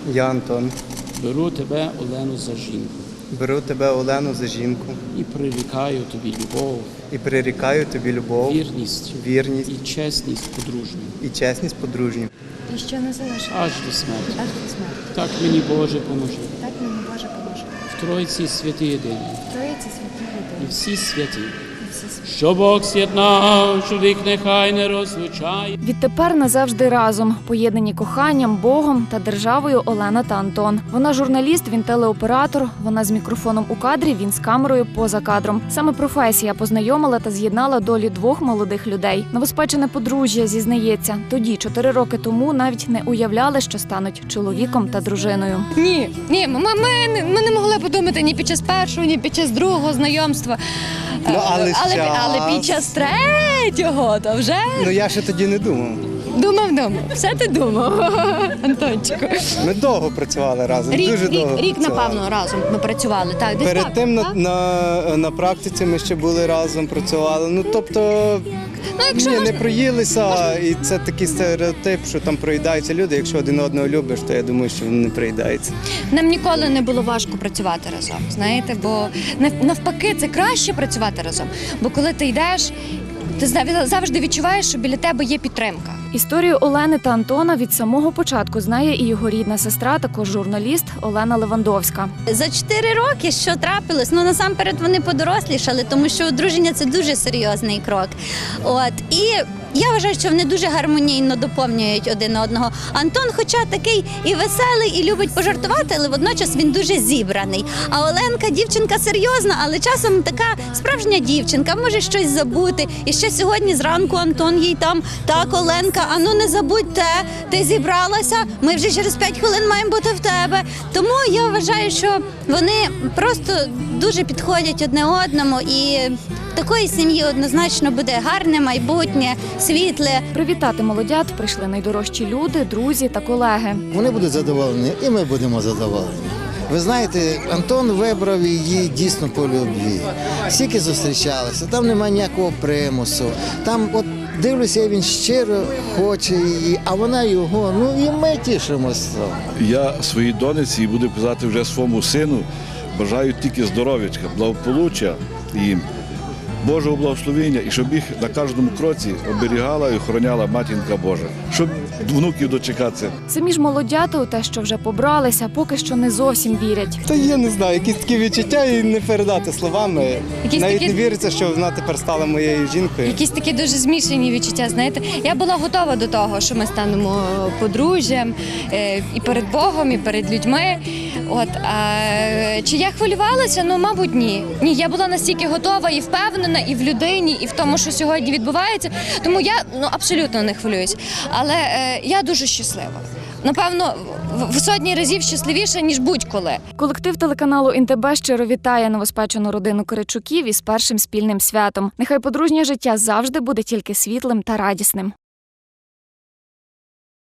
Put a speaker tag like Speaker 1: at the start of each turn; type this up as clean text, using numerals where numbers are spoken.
Speaker 1: Я Антон.
Speaker 2: Беру тебе, Олену, за жінку
Speaker 1: Беру тебе, Олену, за жінку
Speaker 2: і прирікаю тобі любов,
Speaker 1: і прирікаю тобі любов,
Speaker 2: вірність
Speaker 1: вірність
Speaker 2: і чесність подружню,
Speaker 1: і чесність подружню.
Speaker 3: І що не залишить
Speaker 2: аж до смерті.
Speaker 3: аж до смерті.
Speaker 2: Так мені Боже поможи.
Speaker 3: Так мені Боже поможе.
Speaker 2: В Тройці святі єдині
Speaker 3: Троїці святі
Speaker 2: і
Speaker 3: люди.
Speaker 2: всі святі.
Speaker 3: І всі святі.
Speaker 2: Що Бог з'єднав, чоловік нехай не розлучає.
Speaker 4: Відтепер назавжди разом, поєднані коханням, Богом та державою Олена та Антон. Вона журналіст, він телеоператор, вона з мікрофоном у кадрі, він з камерою поза кадром. Саме професія познайомила та з'єднала долі двох молодих людей. Новоспечене подружжя зізнається, тоді, 4 роки тому, навіть не уявляли, що стануть чоловіком та дружиною.
Speaker 3: Ні, ми не могли подумати ні під час першого, ні під час другого знайомства. Але під час третього, то вже
Speaker 1: Я ще тоді не думав.
Speaker 3: думав. Все ти думав, Антончику.
Speaker 1: Ми довго працювали разом, дуже довго
Speaker 3: Рік,
Speaker 1: працювали.
Speaker 3: напевно, разом ми працювали. Так, десь
Speaker 1: Перед
Speaker 3: так,
Speaker 1: тим
Speaker 3: так?
Speaker 1: на практиці ми ще були разом, працювали.
Speaker 3: Якщо
Speaker 1: не проїлися, і це такий стереотип, що там проїдаються люди. Якщо один одного любиш, то я думаю, що вони не проїдаються.
Speaker 3: Нам ніколи не було важко працювати разом, знаєте, бо навпаки, це краще працювати разом. Бо коли ти йдеш, ти завжди відчуваєш, що біля тебе є підтримка.
Speaker 4: Історію Олени та Антона від самого початку знає і його рідна сестра, також журналіст Олена Левандовська.
Speaker 5: За 4 роки що трапилось? Насамперед вони подорослішали, тому що одруження – це дуже серйозний крок. І я вважаю, що вони дуже гармонійно доповнюють один одного. Антон, хоча такий і веселий, і любить пожартувати, але водночас він дуже зібраний. А Оленка дівчинка серйозна, але часом така справжня дівчинка, може щось забути. І ще сьогодні зранку Антон їй там: так, Оленка, не забудь те, ти зібралася, ми вже через 5 хвилин маємо бути в тебе. Тому я вважаю, що вони просто дуже підходять одне одному, і в такої сім'ї однозначно буде гарне майбутнє, світле.
Speaker 4: Привітати молодят прийшли найдорожчі люди, друзі та колеги.
Speaker 6: Вони будуть задоволені, і ми будемо задоволені. Ви знаєте, Антон вибрав її дійсно по любві. Скільки зустрічалися, там немає ніякого примусу. Там, дивлюся, він щиро хоче її, а вона його. І ми тішимося.
Speaker 7: Я своїй донеці і буду казати вже своєму сину, бажаю тільки здоров'ячка, благополуччя їм, Божого благословення, і щоб їх на кожному кроці оберігала і охороняла Матінка Божа, щоб внуків дочекатися.
Speaker 4: Самі ж молодята у те, що вже побралися, поки що не зовсім вірять.
Speaker 1: Та я не знаю, якісь такі відчуття і не передати словами. Навіть не віриться, що вона тепер стала моєю жінкою.
Speaker 3: Якісь такі дуже змішані відчуття, знаєте. Я була готова до того, що ми станемо подружжям і перед Богом, і перед людьми. Чи я хвилювалася? Мабуть, ні. Ні, я була настільки готова і впевнена і в людині, і в тому, що сьогодні відбувається. Тому я абсолютно не хвилююсь. Але я дуже щаслива. Напевно, в сотні разів щасливіша, ніж будь-коли.
Speaker 4: Колектив телеканалу ІНТБ щиро вітає новоспечену родину Киричуків із першим спільним святом. Нехай подружнє життя завжди буде тільки світлим та радісним.